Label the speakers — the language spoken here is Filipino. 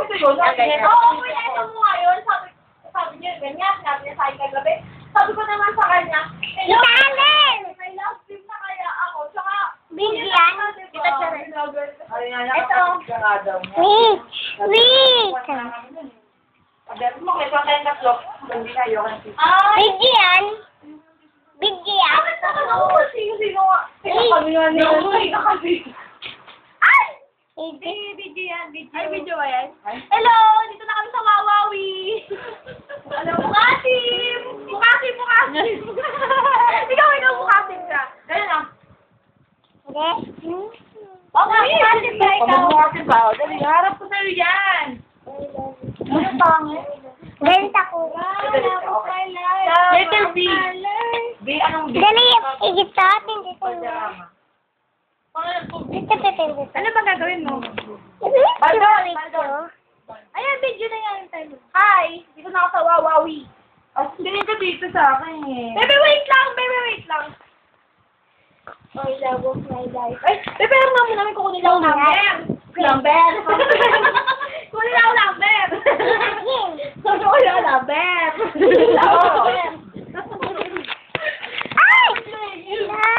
Speaker 1: ito yun. Oo, pinesa mo nga yun. Sabi niya, ganyan. Sinabi niya sa akin kagabi. Sabi ko naman sa kanya, may love team na kaya ako. Tsaka,
Speaker 2: Bigyan.
Speaker 1: Ito.
Speaker 2: Wait.
Speaker 1: Sabi mo, may pangkain tatlo. Hindi na yun.
Speaker 2: Bigyan. Bigyan.
Speaker 1: Sino kami nga nila? Ay! Video yan. Ay, video ba yan? Hello! Dito na kami sa Wawawi! Ano, Bukasim! Bukasim! Ikaw, Bukasim ka. Ganyan lang.
Speaker 2: Hindi.
Speaker 1: Bukasim ba ikaw? Bukasim ba? Dali, harap ko sa'yo yan. Ano pangit?
Speaker 2: Ganda ko.
Speaker 1: Letter B. B, anong B?
Speaker 2: Dali, igit sa atin dito.
Speaker 1: Ano ba gagawin mo? Ayan, video na yan. Hi! Dito na ako sa Wawawi. Tingin ka dito sa akin eh. Bebe, wait lang!
Speaker 2: My love of my life.
Speaker 1: Ay, bebe, alam nga mo namin kukunin lang number. Number! Kukunin lang number! Kukunin lang number!